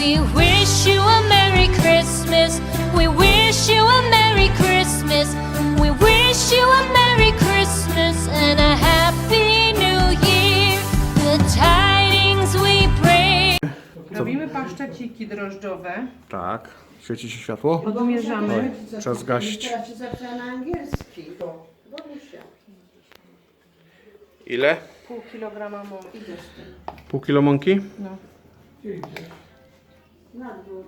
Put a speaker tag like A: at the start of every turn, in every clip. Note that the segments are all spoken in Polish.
A: We wish you a Merry Christmas. We wish you a Merry Christmas. We wish you a Merry Christmas and a Happy New Year. The tidings we bring.
B: Robimy paszczeciki drożdżowe.
C: Tak. Świeci się światło?
B: Odmierzamy.
C: Czas zgasić.
D: Teraz się zaczyna na angielski.
C: Ile?
B: Pół kilograma mąki.
C: Pół kilo mąki?
B: No.
D: Na dwór.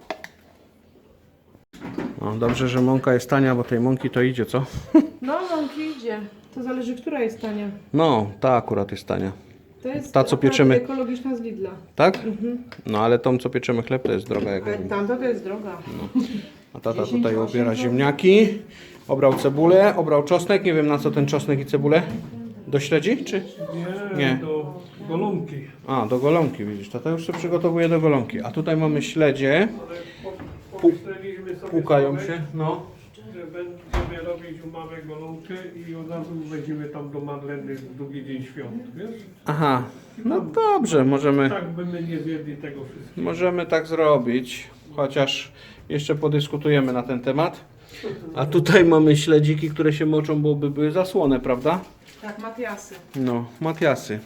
C: No, dobrze, że mąka jest tania, bo tej mąki to idzie, co?
B: No, mąki idzie. To zależy, która jest tania.
C: No, ta akurat jest tania.
B: To jest
C: Ta, co
B: akurat
C: pieczemy.
B: ekologiczna z Lidla.
C: Tak? No, ale tą, co pieczemy chleb, to jest droga. Jak
B: Tamta to jest droga.
C: A tata tutaj obiera ziemniaki. Obrał cebulę, obrał czosnek. Nie wiem, na co ten czosnek i cebulę. Do śledzi, czy? Nie.
E: Do golonki.
C: A, do golonki, widzisz. Tata już się przygotowuje do golonki. A tutaj mamy śledzie.
E: Pomyśleliśmy sobie,
C: Pukają się, no.
E: że będziemy robić u mamy golonkę i od razu weźmiemy tam do Madleny w drugi dzień świąt, wiesz?
C: Aha, no dobrze,
E: Tak by my nie zjedli tego wszystkiego.
C: możemy tak zrobić. Chociaż jeszcze podyskutujemy na ten temat. A tutaj mamy śledziki, które się moczą, bo by były zasłone, prawda?
B: Tak, Matiasy.
C: No, Matiasy.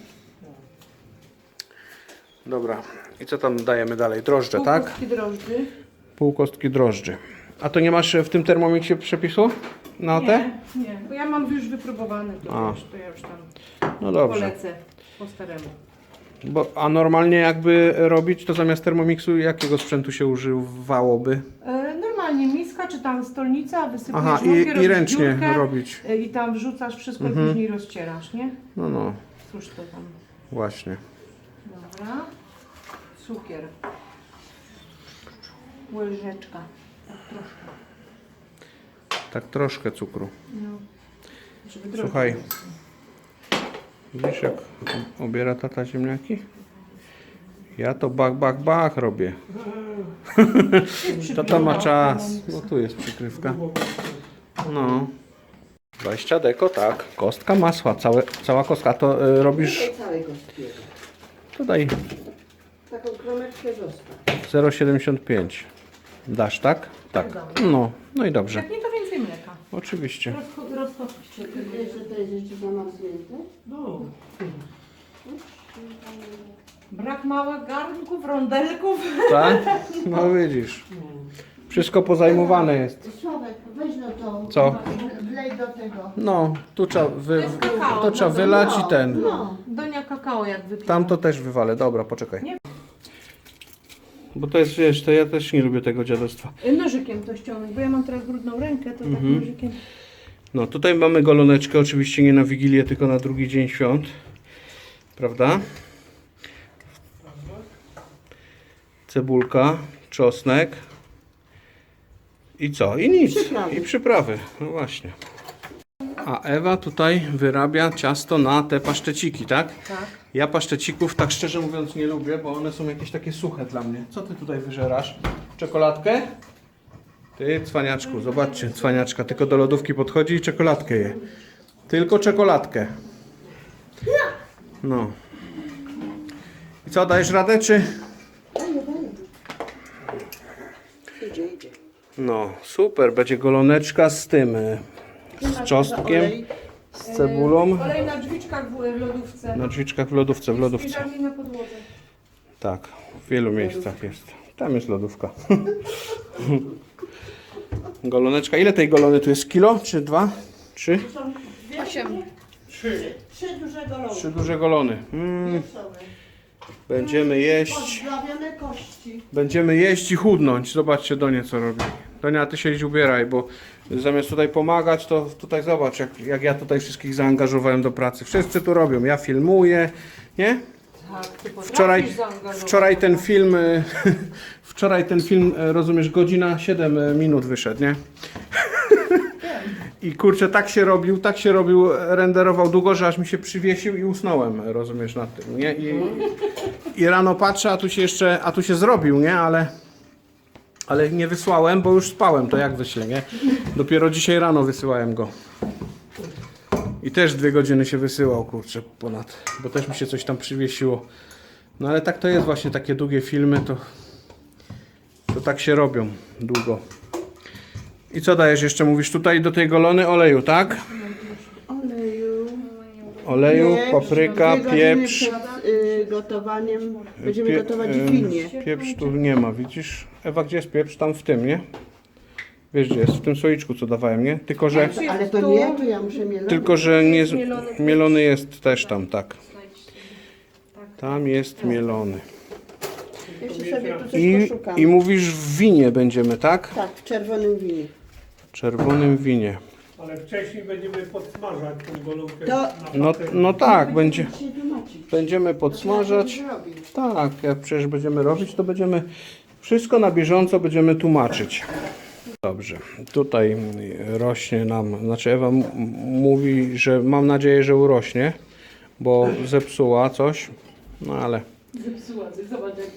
C: Dobra. I co tam dajemy dalej? Drożdże, tak?
B: Półkostki drożdży.
C: Pół kostki drożdży. A to nie masz w tym termomiksie przepisu na te?
B: Nie, bo ja mam już wypróbowany,
C: A.
B: to ja już tam
C: No dobrze.
B: polecę po staremu.
C: A normalnie jakby robić, to zamiast termomiksu jakiego sprzętu się używałoby?
B: Normalnie miska czy tam stolnica, wysypujesz
C: Aha,
B: mąkę,
C: i
B: robisz
C: ręcznie
B: dziurkę,
C: robić.
B: I tam wrzucasz wszystko i później rozcierasz, nie?
C: No, no,
B: Cóż to tam.
C: właśnie.
B: Dobra. Cukier. Łyżeczka. Tak troszkę.
C: Tak troszkę cukru.
B: No. Żeby drożdże
C: Słuchaj.
B: były.
C: Widzisz, jak obiera tata ziemniaki? Ja to bach robię. Tata ma czas. No tu jest przykrywka. No. 20 deko, tak. Kostka masła, cała kostka. To robisz,
D: Całej kostki.
C: to daj
D: Taką kromeczkę zostaw.
C: 0,75. Dasz, tak? Tak. No, no i dobrze.
B: Jak nie, to więcej mleka.
C: Oczywiście.
B: Rozchodźcie.
D: Czy wiesz, że to jest jeszcze zamarznięte?
E: No,
B: Brak małych garnków, rondelków.
C: Tak? No widzisz. Wszystko pozajmowane jest.
D: Sławek, weź no to.
C: Co?
D: Wlej do tego.
C: No, tu trzeba,
B: jest kakao,
C: to trzeba wylać i ten.
D: No.
B: Donia kakao jak wypiła.
C: Tam to też wywalę. Dobra, poczekaj.
B: Nie.
C: Bo to jest, wiesz, to ja też nie lubię tego dziadostwa.
B: Nożykiem to ściągnąć, bo ja mam teraz brudną rękę, to tak nożykiem.
C: No, tutaj mamy goloneczkę, oczywiście nie na Wigilię, tylko na drugi dzień świąt. Prawda? Cebulka, czosnek. I co? I nic.
D: Przyprawy.
C: I przyprawy. No właśnie. A Ewa tutaj wyrabia ciasto na te paszczeciki, tak?
B: Tak.
C: Ja paszczecików tak szczerze mówiąc nie lubię, bo one są jakieś takie suche dla mnie. Co ty tutaj wyżerasz? Czekoladkę? Ty, cwaniaczku, zobaczcie, cwaniaczka, tylko do lodówki podchodzi i czekoladkę je. Tylko czekoladkę. No. I co, dajesz radę, czy?
D: Idzie.
C: No, super, będzie goloneczka z tym, z czosnkiem, z cebulą.
B: Olej na drzwiczkach w lodówce.
C: Na drzwiczkach w lodówce.
B: Spiżarni na podłodze.
C: Tak, w wielu miejscach jest. Tam jest lodówka. Goloneczka. Ile tej golony tu jest? Kilo? Czy 2? 3?
B: 8.
D: Trzy duże golonki.
C: 3 duże golony. Będziemy jeść.
D: Podprawione kości.
C: Będziemy jeść i chudnąć. Zobaczcie Donie co robi. Donia, ty się idź ubieraj, bo zamiast tutaj pomagać, to tutaj zobacz, jak ja tutaj wszystkich zaangażowałem do pracy. Wszyscy tu robią. Ja filmuję, nie?
B: Tak, ty
C: Wczoraj,
B: potrafisz zaangażować.
C: wczoraj ten film, rozumiesz, godzina 7 minut wyszedł, nie? I kurczę, tak się robił, renderował długo, że aż mi się przywiesił i usnąłem, rozumiesz, nad tym, nie? I rano patrzę, a tu się zrobił, nie? Ale nie wysłałem, bo już spałem, to jak wyślę, nie? Dopiero dzisiaj rano wysyłałem go. I też 2 godziny się wysyłał, kurczę, ponad, bo też mi się coś tam przywiesiło. No ale tak to jest właśnie, takie długie filmy, to To tak się robią długo. I co dajesz jeszcze? Mówisz tutaj do tej golony oleju, tak? Oleju, papryka,
D: 2 godziny
C: pieprz.
D: przed gotowaniem będziemy gotować w winie.
C: Pieprz tu nie ma, widzisz? Ewa, gdzie jest pieprz? Tam w tym, nie? Wiesz gdzie jest? W tym słoiczku co dawałem, nie? Tylko, że
D: To ja muszę mielować.
C: Tylko, że nie, mielony jest też tam, tak. Tam jest mielony.
D: Jeszcze sobie tu coś
C: I
D: poszukam.
C: mówisz w winie będziemy, tak?
D: Tak, w czerwonym winie.
C: Czerwonym winie.
E: Ale wcześniej będziemy podsmażać tą golonkę.
D: To-
E: na
C: No,
E: patelni.
C: no tak,
D: Dzisiaj tłumaczyć.
C: będziemy podsmażać. Tak, jak przecież będziemy robić, to będziemy wszystko na bieżąco będziemy tłumaczyć. Dobrze, tutaj rośnie nam, znaczy Ewa mówi, że mam nadzieję, że urośnie, bo zepsuła coś, no ale
B: Zepsuła coś, zobacz jak...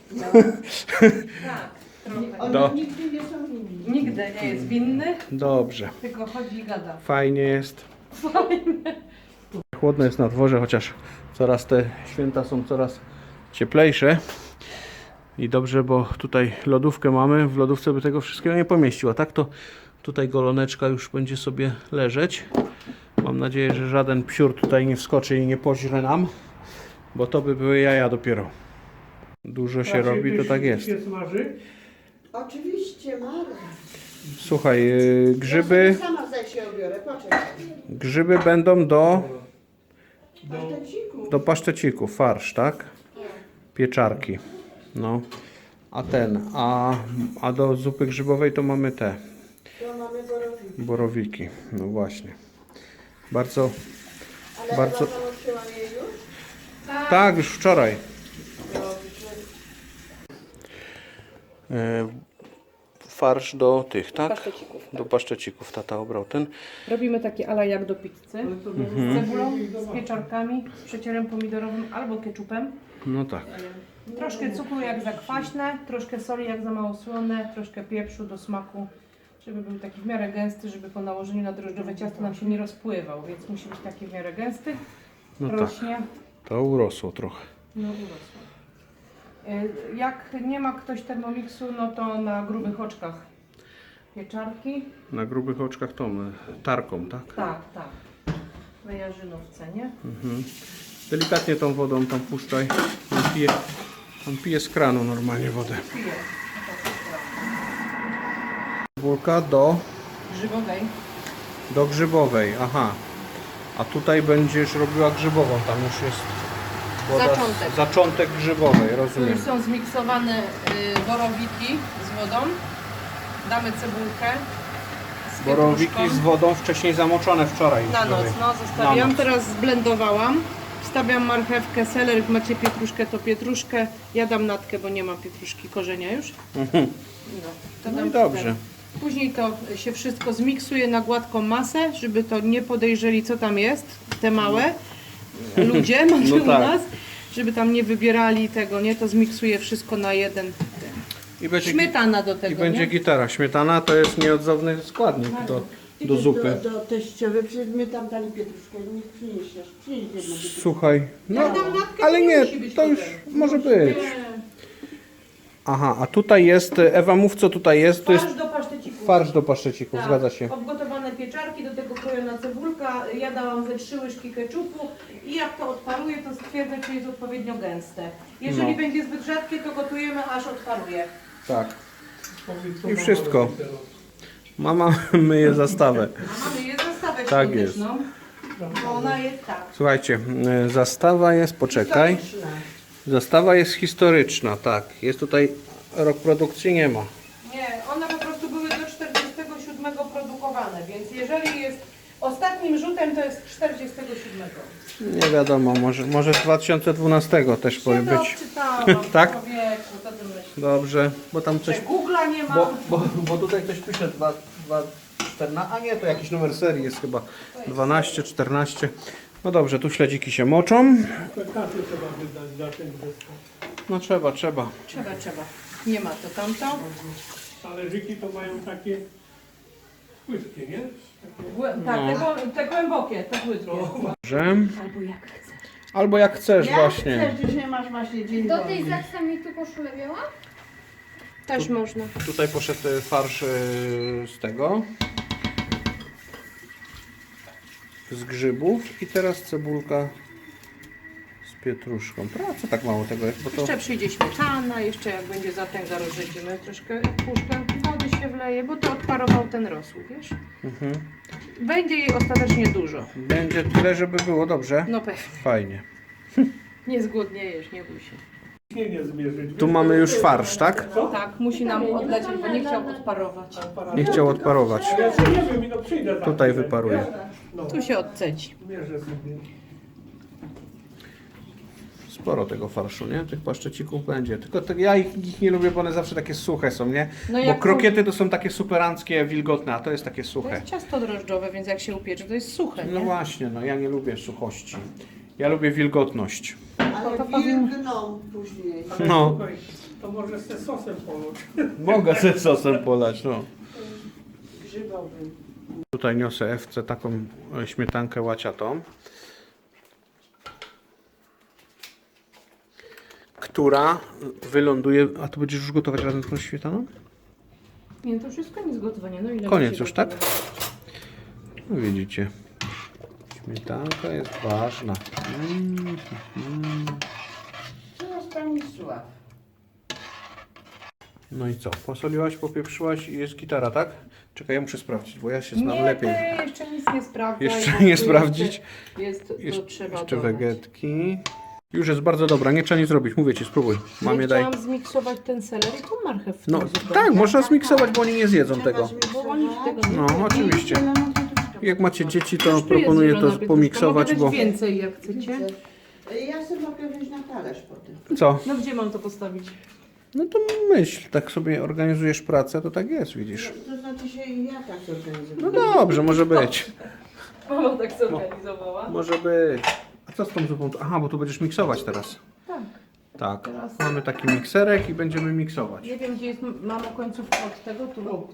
F: Tak, trochę.
D: One nigdy nie są winni.
F: Nigdy nie jest winny,
C: dobrze,
F: tylko chodzi i gada.
C: fajnie jest. Chłodno jest na dworze, chociaż coraz te święta są coraz cieplejsze. I dobrze, bo tutaj lodówkę mamy, w lodówce by tego wszystkiego nie pomieściła, tak? To tutaj goloneczka już będzie sobie leżeć. Mam nadzieję, że żaden psiur tutaj nie wskoczy i nie poźre nam, bo to by były jaja dopiero. Dużo się
E: Raczej
C: robi, to tak jest.
E: się smaży.
D: Oczywiście, Marek.
C: Słuchaj,
D: Ja
C: grzyby,
D: sobie sama zaś się obiorę, poczekaj.
C: grzyby będą do
D: Paszteciku.
C: pasztecików, farsz, tak? Pieczarki. No. A do zupy grzybowej to mamy te
D: To mamy borowiki.
C: borowiki. No właśnie. Bardzo,
D: Ale
C: Bardzo-
D: Ewa nauczyła mnie już?
C: tak, już wczoraj. Farsz do tych, tak?
F: Pasztecików.
C: Do pasztecików. Tata obrał ten.
F: Robimy takie ala jak do pizzy. Z cebulą, z pieczarkami, z przecierem pomidorowym albo keczupem.
C: No tak.
F: Troszkę cukru jak za kwaśne, troszkę soli jak za mało słone, troszkę pieprzu do smaku, żeby był taki w miarę gęsty, żeby po nałożeniu na drożdżowe ciasto nam się nie rozpływał, więc musi być taki w miarę gęsty.
C: No tak.
F: Rośnie.
C: To urosło trochę.
F: No urosło. Jak nie ma ktoś Thermomixu, no to na grubych oczkach pieczarki.
C: Na grubych oczkach tą tarką, tak?
F: Tak, tak. Na jarzynówce, nie?
C: Delikatnie tą wodą tam puszczaj. On pije z kranu normalnie wodę.
F: Piję.
C: Cebulka do
F: Grzybowej.
C: aha. A tutaj będziesz robiła grzybową, tam już jest woda,
F: Zaczątek.
C: zaczątek grzybowej,
F: Tu
C: rozumiem.
F: już są zmiksowane borowiki z wodą. Damy cebulkę z
C: Borowiki
F: pietruszką.
C: z wodą wcześniej zamoczone wczoraj.
F: Na noc, no zostawiam.
C: Na noc.
F: Teraz zblendowałam. Wstawiam marchewkę, seler, jak macie pietruszkę, to pietruszkę. Ja dam natkę, bo nie mam pietruszki, korzenia już. No, to
C: No
F: dam
C: i dobrze.
F: ten. Później to się wszystko zmiksuje na gładką masę, żeby to nie podejrzeli, co tam jest, te małe ludzie macie
C: No
F: u
C: tak.
F: nas, żeby tam nie wybierali tego, nie? To zmiksuje wszystko na jeden.
C: I będzie,
F: Śmietana do
C: i
F: tego,
C: będzie
F: nie?
C: gitara. Śmietana to jest nieodzowny składnik do zupy.
D: Do teściowej, przecież my tam dali pietruszkę, nie przyniesiesz. Przynieś jedną pietruszkę.
C: Słuchaj, no,
F: Jak dam natkę,
C: ale
F: to nie
C: nie,
F: musi być
C: to już
F: potem.
C: może być. Aha, a tutaj jest, Ewa mów co tutaj jest, to jest
F: Farsz do pasztecików.
C: farsz do paszczecików,
F: Tak.
C: zgadza się.
F: Obgotowane pieczarki, do tego krojona cebulka, ja dałam ze 3 łyżki keczupu i jak to odparuje, to stwierdzę, czy jest odpowiednio gęste. Jeżeli
C: No.
F: będzie zbyt rzadkie, to gotujemy, aż odparuje.
C: Tak.
E: Powiedz, co
C: I
E: mama
C: wszystko.
E: robi teraz.
C: Mama myje zastawę.
F: A mamy je zastawę
C: Tak
F: świąteczną, bo ona jest tak.
C: Słuchajcie, zastawa jest, poczekaj. Zastawa jest historyczna, tak. Jest tutaj, rok produkcji nie ma.
F: Nie, one po prostu były do 47 produkowane, więc jeżeli jest ostatnim rzutem, to jest 47.
C: Nie wiadomo, może z 2012 też
F: Się
C: powinien
F: to
C: być.
F: odczytałam,
C: Tak?
F: człowieku, co ty myślisz?
C: Dobrze, bo tam coś...
F: Że Google'a nie ma.
C: Bo tutaj ktoś pisze 14, a nie, to jakiś numer serii jest chyba 12, 14. No dobrze, tu śledziki się moczą.
E: To kasy trzeba wydać za ten zestaw.
C: No trzeba.
F: Trzeba. Nie ma to tamto.
E: Talerzyki to mają takie płytkie, nie?
F: Tak, te głębokie, te płytkie.
C: Dobrze.
F: Albo jak chcesz.
C: Albo jak chcesz
D: Jak
C: właśnie.
D: chcesz, dzisiaj masz właśnie dzień
A: Do tej
D: wolny.
A: zachce mi tu koszulę biała?
F: Też można.
C: Tutaj poszedł farsz z tego. Z grzybów i teraz cebulka z pietruszką. Co tak mało tego jest? Bo to...
F: Jeszcze przyjdzie śmietana, jeszcze jak będzie zatęga, rozrzedzimy troszkę pół szklanki wody się wleje, bo to odparował ten rosół, wiesz? Będzie jej ostatecznie dużo.
C: Będzie tyle, żeby było dobrze.
F: No pewnie.
C: Fajnie.
F: Nie zgłodniejesz, nie bój się.
E: Nie zmierzyć.
C: Tu mamy już farsz, tak?
F: Tak, musi nam odlecieć, bo nie chciał odparować.
C: Nie chciał odparować.
E: Ja się nie wiem, no przyjdę tam.
C: Tutaj wyparuje.
F: Tu się odcedzi.
E: Mierzę sobie.
C: Sporo tego farszu, nie? Tych paszczecików będzie. Tylko ja ich nie lubię, bo one zawsze takie suche są, nie?
F: No
C: Bo
F: jak
C: krokiety to są takie superanckie, wilgotne, a to jest takie
F: To
C: suche.
F: jest ciasto drożdżowe, więc jak się upiecze, to jest suche,
C: No
F: nie?
C: właśnie, no ja nie lubię suchości. Ja lubię wilgotność.
D: Ale wilgną później.
C: No.
E: Słuchaj, to może z sosem polać.
C: Mogę ze sosem polać, no.
D: Grzybowym.
C: Tutaj niosę Ewce taką śmietankę łaciatą, która wyląduje... A to będziesz już gotować razem z tą śmietaną?
F: Nie, to wszystko nie zgotowanie. No ile
C: Koniec
F: musi
C: już, tak?
F: gotować?
C: No widzicie. Śmietanka jest ważna.
D: Teraz pani Sław.
C: No i co? Posoliłaś, popieprzyłaś i jest gitara, tak? Czekaj, ja muszę sprawdzić, bo ja się znam
F: Nie,
C: lepiej.
F: ty jeszcze nic nie sprawdzaj.
C: Jeszcze
F: bo
C: nie
F: tu
C: sprawdzić?
F: Jest, to trzeba
C: Jeszcze
F: dodać.
C: wegetki. Już jest bardzo dobra, nie trzeba nic zrobić. Mówię ci, spróbuj. Mamie
F: Nie
C: daj.
F: chciałam zmiksować ten seler i tą marchew w
C: No
F: tą zupę.
C: tak, można zmiksować, bo oni nie zjedzą tego.
F: Bo oni tego nie
C: No, oczywiście. Jak macie dzieci, to
F: Już tu jest
C: proponuję
F: zielona
C: to
F: pietruszka.
C: pomiksować,
F: Mogę
C: bo...
F: dać więcej jak chcecie.
D: Ja sobie mogę wziąć na talerz potem.
C: Co?
F: No gdzie mam to postawić?
C: No to myśl, tak sobie organizujesz pracę, to tak jest, widzisz.
D: To znaczy się ja tak zorganizuję.
C: No dobrze, może być.
F: Mama tak zorganizowała.
C: Może być. A co z tą zupą? Aha, bo tu będziesz miksować teraz.
F: Tak.
C: Tak.
F: Teraz-
C: Mamy taki mikserek i będziemy miksować.
F: Nie wiem gdzie jest mamo końcówka od tego, tu.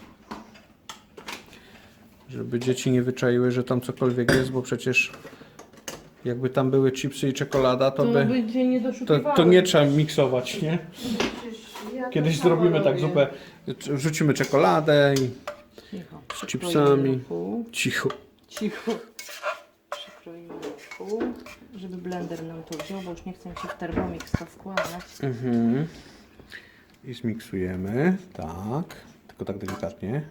C: Żeby dzieci nie wyczaiły, że tam cokolwiek jest, bo przecież jakby tam były chipsy i czekolada, to
F: To
C: by...
F: będzie nie doszukiwały.
C: To nie trzeba miksować, nie?
D: Przecież ja to
C: Kiedyś
D: samo
C: zrobimy tak
D: robię.
C: zupę, wrzucimy czekoladę i
F: Cicho.
C: z chipsami.
F: Pół.
C: Cicho.
F: Cicho. Przykroimy na pół, żeby blender nam to wziął, bo już nie chcę Ci w Thermomix to wkładać.
C: Mhm. I zmiksujemy. Tak. Tylko tak delikatnie.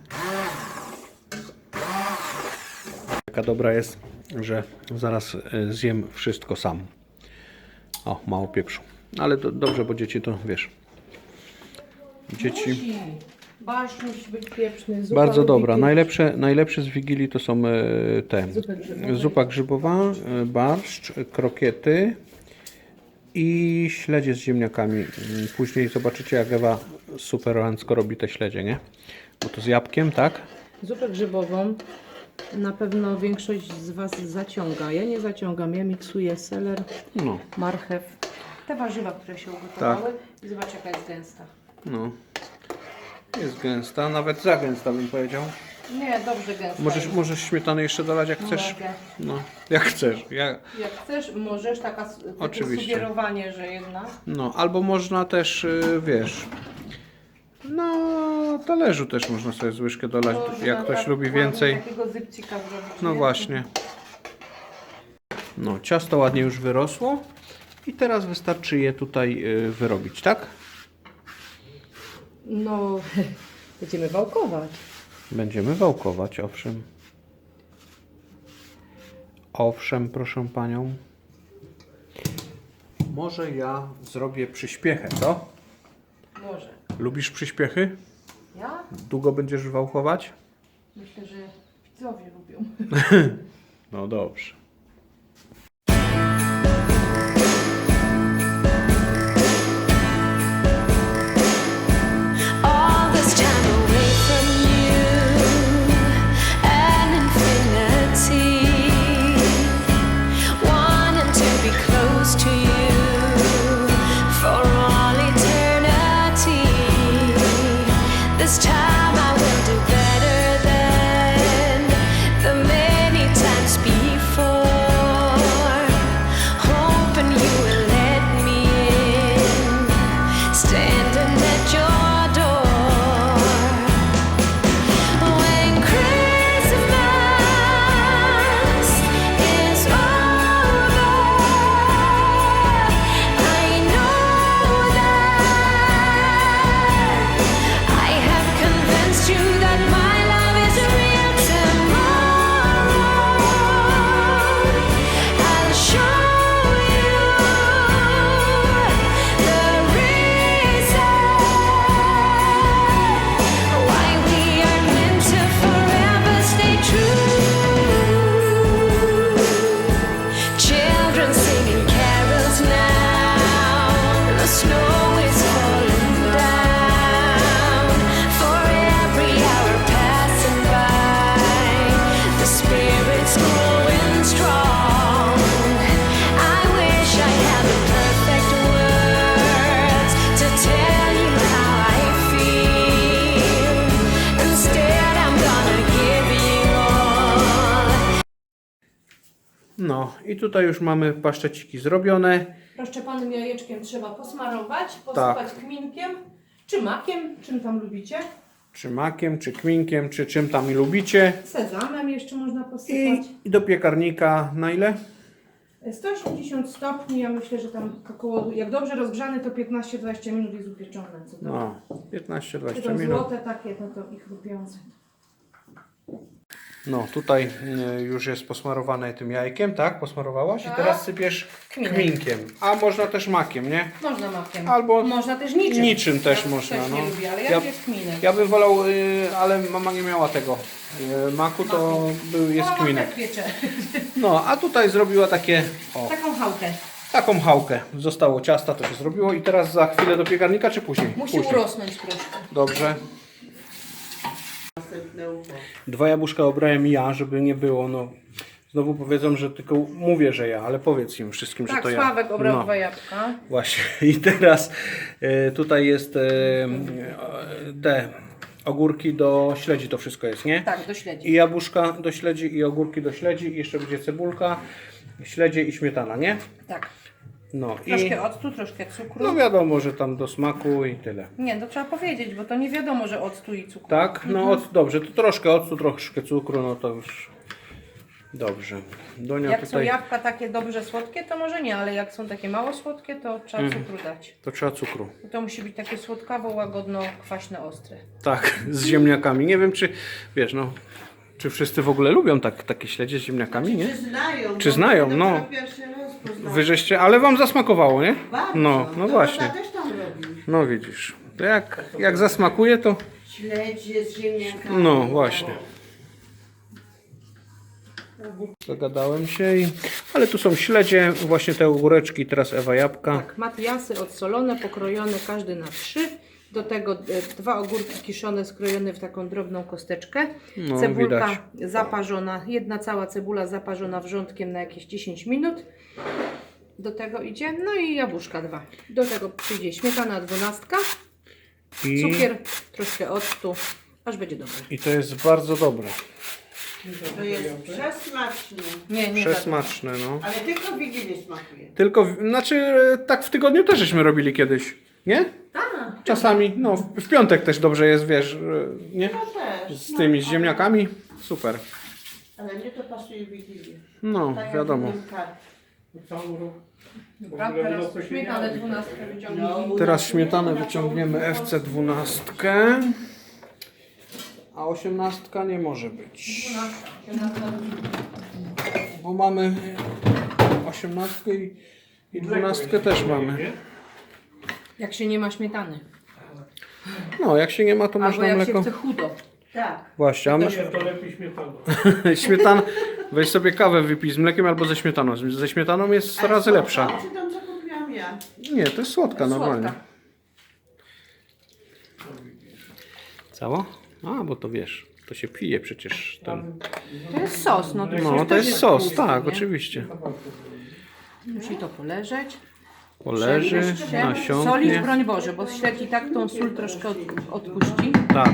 C: Taka dobra jest, że zaraz zjem wszystko sam. O, mało pieprzu. Ale to dobrze, bo dzieci to wiesz. Dzieci...
F: Musi. Barszcz musi być pieprzny. Zupa
C: Bardzo
F: lubi
C: dobra.
F: pieprz.
C: Najlepsze z Wigilii to są te.
F: Zupy grzybowe.
C: Zupa grzybowa, barszcz, krokiety i śledzie z ziemniakami. Później zobaczycie, jak Ewa superancko robi te śledzie, nie? Bo to z jabłkiem, tak?
F: Zupę grzybową na pewno większość z Was zaciąga. Ja nie zaciągam, ja miksuję seler,
C: No,
F: marchew, te warzywa, które się ugotowały i zobacz jaka jest gęsta.
C: no. Jest gęsta, nawet za gęsta bym powiedział.
F: Nie, dobrze gęsta.
C: Możesz śmietany jeszcze dolać, jak chcesz?
F: Mogę.
C: No, jak chcesz.
F: Jak chcesz, możesz, takie
C: Oczywiście.
F: sugerowanie, że jedna.
C: No, albo można też, wiesz, na talerzu też można sobie z łyżkę dolać,
F: Można
C: jak ktoś
F: tak
C: lubi
F: ładnie
C: więcej.
F: takiego zypcika zrobić,
C: No
F: nie?
C: właśnie. No, ciasto ładnie już wyrosło i teraz wystarczy je tutaj wyrobić, tak?
F: No, będziemy wałkować.
C: Będziemy wałkować, owszem. Owszem, proszę panią. Może ja zrobię przyspiechę, co?
F: Może.
C: Lubisz przyspiechy?
F: Ja?
C: Długo będziesz wałkować?
F: Myślę, że widzowie lubią.
C: No dobrze.
A: All this time away from you, an infinity, wanting to be close to you for all eternity. This time I will do better than the many times before.
C: i tutaj już mamy paszczeciki zrobione.
F: Rozszczepanym jajeczkiem trzeba posmarować, posypać kminkiem, czy makiem, czym tam lubicie.
C: Czy makiem, czy kminkiem, czy czym tam lubicie.
F: Sezamem jeszcze można posypać.
C: I do piekarnika na ile?
F: 180 stopni, ja myślę, że tam około, jak dobrze rozgrzany, to 15-20 minut jest upieczone. Co to?
C: No,
F: Czy
C: 15-20
F: to
C: minut.
F: złote takie, no to ich lubiące.
C: No, tutaj już jest posmarowane tym jajkiem, tak? Posmarowałaś?
F: Tak.
C: I teraz sypiesz kminkiem. A można też makiem, nie?
F: Można makiem.
C: Albo
F: można też niczym.
C: niczym też
F: Ja
C: można,
F: też
C: no.
F: nie lubię, ale
C: Ja-
F: ja lubię z kminem.
C: Ja bym wolał, ale mama nie miała tego maku, to jest
F: Mama
C: kminek.
F: tak piecze.
C: No, a tutaj zrobiła takie,
F: Taką chałkę.
C: taką chałkę. Zostało ciasta, to się zrobiło i teraz za chwilę do piekarnika, czy później?
F: Musi
C: Później.
F: urosnąć troszkę.
C: Dobrze.
D: Następne ucho.
C: 2 jabłuszka obrałem ja, żeby nie było, no. Znowu powiedzą, że tylko mówię, że ja, ale powiedz im wszystkim, że
F: Tak,
C: to ja.
F: Sławek obrał
C: No.
F: 2 jabłka.
C: Właśnie. I teraz tutaj jest te ogórki do śledzi, to wszystko jest, nie?
F: Tak, do śledzi.
C: I jabłuszka do śledzi, i ogórki do śledzi, i jeszcze będzie cebulka, śledzie i śmietana, nie?
F: Tak.
C: No i
F: Troszkę octu, troszkę cukru.
C: no wiadomo, że tam do smaku i tyle.
F: Nie, to trzeba powiedzieć, bo to nie wiadomo, że octu i cukru.
C: Tak? No dobrze, to troszkę octu, troszkę cukru, no to już dobrze. Donia
F: Jak są
C: tutaj,
F: jabłka takie dobrze słodkie, to może nie, ale jak są takie mało słodkie, to trzeba cukru dać.
C: to trzeba cukru.
F: To musi być takie słodkawo, łagodno, kwaśne, ostre.
C: Tak, z ziemniakami. Nie wiem, czy wiesz, no, czy wszyscy w ogóle lubią takie śledzie z ziemniakami, nie?
D: Czy znają?
C: Czy
D: bo
C: znają,
D: my
C: no.
D: dopiero pierwszy raz poznałem.
C: Wy żeście, ale wam zasmakowało, nie?
D: Bardzo.
C: No właśnie.
D: Tata też tam robi.
C: No widzisz. To jak zasmakuje, to
D: Śledzie z ziemniakami.
C: no właśnie. Zagadałem się i... Ale tu są śledzie, właśnie te ogóreczki, teraz Ewa jabłka.
F: Tak, matiasy odsolone, pokrojone, każdy na 3. Do tego 2 ogórki kiszone, skrojone w taką drobną kosteczkę.
C: No,
F: Cebulka
C: widać.
F: zaparzona, jedna cała cebula zaparzona wrzątkiem na jakieś 10 minut. Do tego idzie, no i jabłuszka 2. Do tego przyjdzie śmietana 12,
C: I,
F: cukier, troszkę octu, aż będzie dobre.
C: I to jest bardzo dobre.
D: To jest przesmaczne.
F: Nie, nie
C: Przesmaczne, no.
D: Ale tylko w Wigilię smakuje.
C: Tylko, znaczy tak w tygodniu też żeśmy robili kiedyś, nie?
D: Tak.
C: Czasami, no w piątek też dobrze jest, wiesz, nie?
D: To też.
C: Z tymi, z ziemniakami, super.
D: Ale mnie to pasuje w Wigilię.
C: No,
D: Tak jak
C: wiadomo.
D: innym karp.
E: Cały rok.
F: Dobra,
E: W ogóle
F: teraz
E: mnóstwo się
F: śmietanę
E: działo.
F: 12 wyciągnij.
D: No,
C: Teraz śmietanę wyciągniemy FC12, a 18 nie może być,
F: 12.
C: bo mamy 18 i 12 też mamy.
F: Jak się nie ma śmietany.
C: No, jak się nie ma, to
F: Albo
C: można
F: jak
C: mleko.
F: się chce chudo.
D: Tak.
C: Właśnie, a my...
E: Nie, to lepiej śmietana.
C: śmietan, weź sobie kawę wypij z mlekiem albo ze śmietaną. Ze śmietaną jest 100 razy lepsza.
D: Czy tam co kupiłam ja?
C: Nie, to jest słodka normalnie.
F: Słodka.
C: Cało? A, bo to wiesz, to się pije przecież ten.
F: To jest sos, no to,
C: No,
F: przecież
C: to
F: też
C: jest sos,
F: tłusty,
C: tak,
F: nie?
C: oczywiście.
F: Musi to poleżeć.
C: Poleży,
F: Solić,
C: nasiąknie.
F: broń Boże, bo śledź i tak tą sól troszkę odpuści.
C: Tak.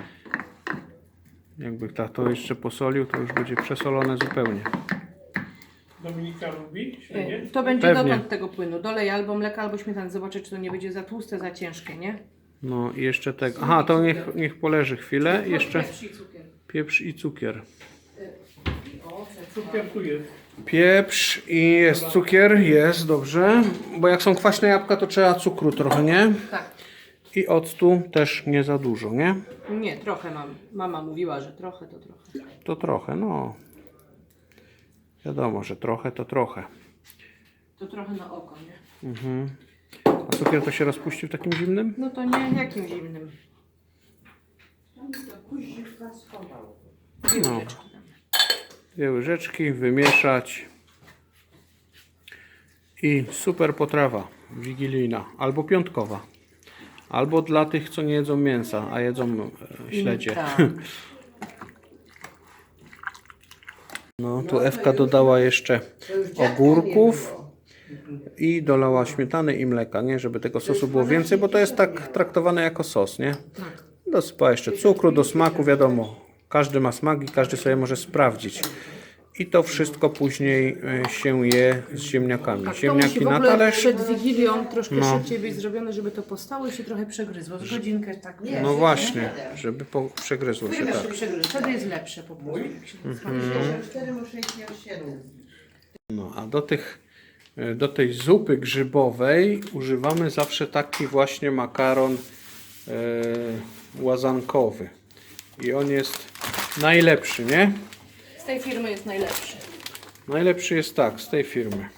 C: Jakby to jeszcze posolił, to już będzie przesolone zupełnie.
E: Dominika lubi śledzie?
F: To będzie
C: Pewnie.
F: dotąd tego płynu. Dolej albo mleka, albo śmietany. Zobaczę, czy to nie będzie za tłuste, za ciężkie, nie?
C: No i jeszcze tego. Aha, to niech poleży chwilę. Jeszcze
F: Pieprz i cukier.
C: pieprz i cukier.
E: Cukier tu jest.
C: Pieprz i jest cukier, jest, dobrze. Bo jak są kwaśne jabłka, to trzeba cukru trochę, nie?
F: Tak.
C: I octu też nie za dużo, nie?
F: Nie, trochę mam. Mama mówiła, że trochę to trochę.
C: To trochę, no. Wiadomo, że trochę to trochę.
F: To trochę na oko, nie?
C: A cukier to się rozpuści w takim zimnym?
F: No to nie jakim zimnym.
D: Kuździwka schował.
F: Dwie
C: No.
F: łyżeczki damy.
C: 2 łyżeczki, wymieszać. I super potrawa wigilijna, albo piątkowa. Albo dla tych, co nie jedzą mięsa, a jedzą śledzie.
F: Tak.
C: No, tu Ewka dodała jeszcze ogórków i dolała śmietany i mleka, nie? Żeby tego sosu było więcej, bo to jest tak traktowane jako sos, nie?
F: Tak.
C: Dosypała jeszcze cukru do smaku, wiadomo. Każdy ma smak i każdy sobie może sprawdzić. I to wszystko później się je z ziemniakami.
F: Tak, to musi
C: Ziemniaki
F: w
C: na
F: ogóle
C: talerz.
F: przed Wigilią troszkę
C: No.
F: szybciej być zrobione, żeby to postało i się trochę przegryzło. Z godzinkę tak.
C: No właśnie, żeby przegryzło się tak.
F: Wtedy jest lepsze po prostu. jak się smakuje.
D: 4 muszę iść miał 7.
C: No a do tej zupy grzybowej używamy zawsze taki właśnie makaron łazankowy. I on jest najlepszy, nie?
F: Z tej firmy jest najlepszy.
C: Najlepszy jest tak, z tej firmy.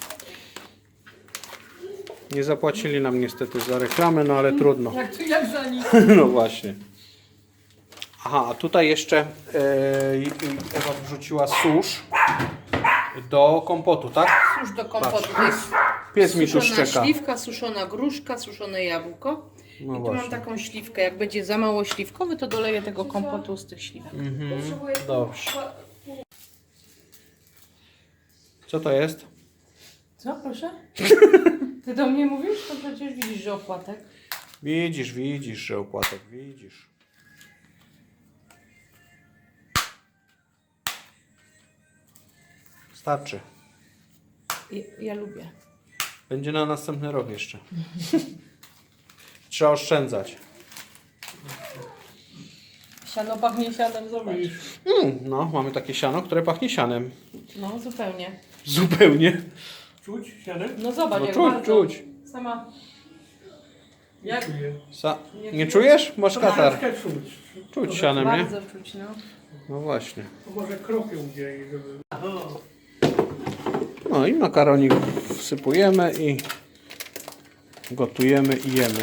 C: Nie zapłacili nam niestety za reklamę, no ale trudno.
F: Jak za nic.
C: No właśnie. Aha, a tutaj jeszcze Ewa wrzuciła susz do kompotu, tak?
F: Cóż do kompotu. To jest
C: Pies mi tu
F: suszona
C: szczeka.
F: śliwka, suszona gruszka, suszone jabłko.
C: No
F: I tu
C: właśnie.
F: mam taką śliwkę. Jak będzie za mało śliwkowy, to doleję tego kompotu z tych śliwek.
C: Dobrze. Co to jest?
F: Co, proszę? Ty do mnie mówisz? To przecież widzisz, że opłatek.
C: Widzisz, że opłatek, widzisz. Starczy.
F: Ja lubię.
C: Będzie na następny rok jeszcze. Trzeba oszczędzać.
F: Siano pachnie sianem, zobacz.
C: No, mamy takie siano, które pachnie sianem.
F: No, zupełnie.
C: Zupełnie.
E: Czuć sianem?
F: No zobacz,
C: No
F: jak
C: czuć,
F: bardzo.
C: czuć.
F: Sama. Jak?
C: Nie czujesz? Masz katar.
E: Troszeczkę czuć.
C: Czuć sianem, nie?
F: Bardzo czuć, no.
C: No właśnie.
E: To może kropią gdzieś, żeby...
C: No i makaronik wsypujemy i gotujemy i jemy.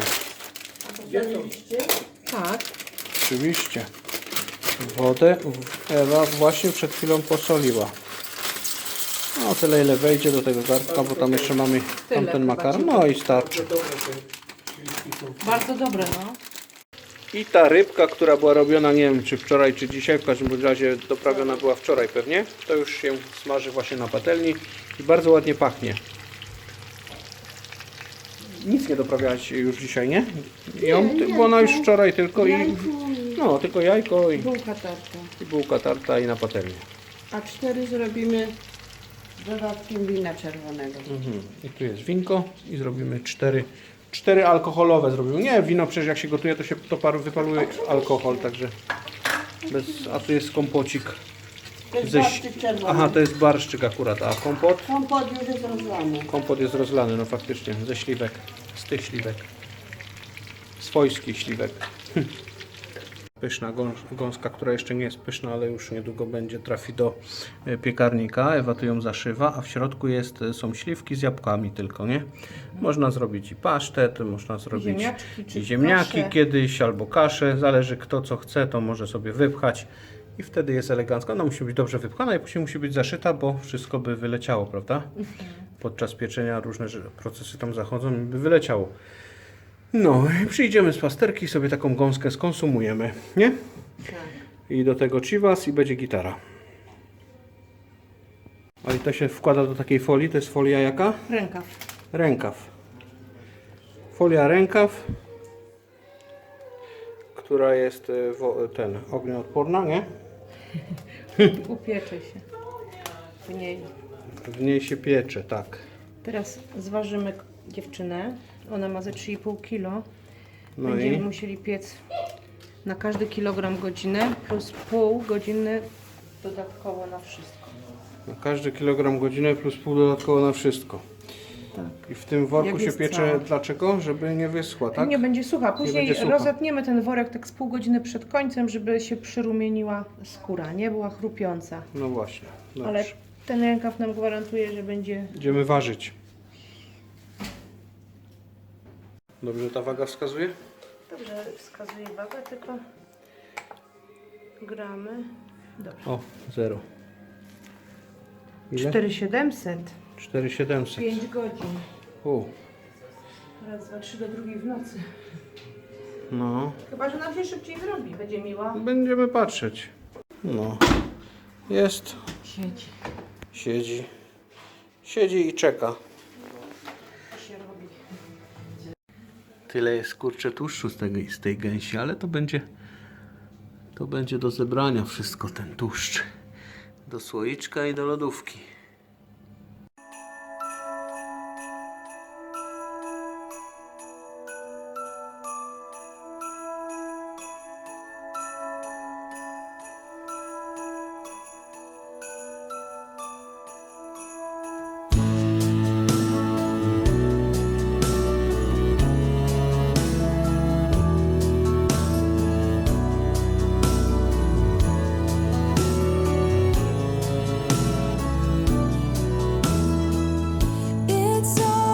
F: Tak.
C: Oczywiście. Wodę Ewa właśnie przed chwilą posoliła. No tyle ile wejdzie do tego garnka, bo tam jeszcze mamy tamten
F: chyba
C: makaron. No i starczy.
F: Bardzo dobre, no.
C: I ta rybka, która była robiona, nie wiem czy wczoraj, czy dzisiaj, w każdym razie doprawiona była wczoraj pewnie, to już się smaży właśnie na patelni i bardzo ładnie pachnie. Nic nie doprawiałaś już dzisiaj, nie? Bo ona już wczoraj tylko i... No, tylko jajko i
D: Bułka tarta.
C: bułka tarta i na patelnię.
D: A 4 zrobimy z dodatkiem wina czerwonego.
C: I tu jest winko i zrobimy cztery alkoholowe zrobimy. Nie, wino przecież jak się gotuje, to się wypaluje alkohol, także a tu jest kompocik.
D: To jest
C: Ze...
D: barszczyk czerwony.
C: Aha, to jest barszczyk akurat, a kompot?
D: Kompot już jest rozlany.
C: Kompot jest rozlany, no faktycznie, ze śliwek, z tych śliwek. Swojskich śliwek. Pyszna gąska, która jeszcze nie jest pyszna, ale już niedługo będzie, trafi do piekarnika. Ewa tu ją zaszywa, a w środku są śliwki z jabłkami tylko, nie? Można zrobić i pasztet, można zrobić
F: Ziemniaczki czy
C: i ziemniaki
F: kaszę.
C: kiedyś, albo kaszę, zależy kto co chce, to może sobie wypchać i wtedy jest elegancka. Ona musi być dobrze wypchana i później musi być zaszyta, bo wszystko by wyleciało, prawda? Podczas pieczenia różne procesy tam zachodzą i by wyleciało. No i przyjdziemy z pasterki, sobie taką gąskę skonsumujemy, nie?
F: Tak.
C: I do tego chivas i będzie gitara. A i to się wkłada do takiej folii, to jest folia jaka?
F: Rękaw.
C: Rękaw. Folia rękaw, która jest ognioodporna, nie?
F: Upiecze się w niej.
C: W niej się piecze, tak.
F: Teraz zważymy dziewczynę. Ona ma ze 3,5 kg.
C: No
F: Będziemy
C: i
F: musieli piec na każdy kilogram godzinę plus pół godziny dodatkowo na wszystko.
C: na każdy kilogram godzinę plus pół dodatkowo na wszystko.
F: Tak.
C: I w tym worku
F: Jak
C: się
F: jest
C: piecze,
F: cała.
C: dlaczego? Żeby nie wyschła, tak?
F: Nie będzie sucha. Później
C: będzie sucha.
F: rozetniemy ten worek tak z pół godziny przed końcem, żeby się przyrumieniła skóra, nie była chrupiąca.
C: No właśnie. Dobrze.
F: Ale ten rękaw nam gwarantuje, że będzie...
C: Będziemy ważyć. Dobrze ta waga wskazuje?
F: Dobrze, wskazuje wagę, tylko gramy. Dobrze.
C: O, 0. Ile?
F: 4700.
C: 4700.
F: 5 godzin.
C: U,
F: Raz, dwa, trzy do drugiej w nocy.
C: no.
F: Chyba, że nam się szybciej zrobi. Będzie miła.
C: Będziemy patrzeć. No. Jest.
F: Siedzi.
C: Siedzi. Siedzi i czeka.
F: To się robi.
C: Tyle jest kurczę tłuszczu z tej gęsi, ale to będzie do zebrania wszystko, ten tłuszcz. do słoiczka i do lodówki.
G: It's all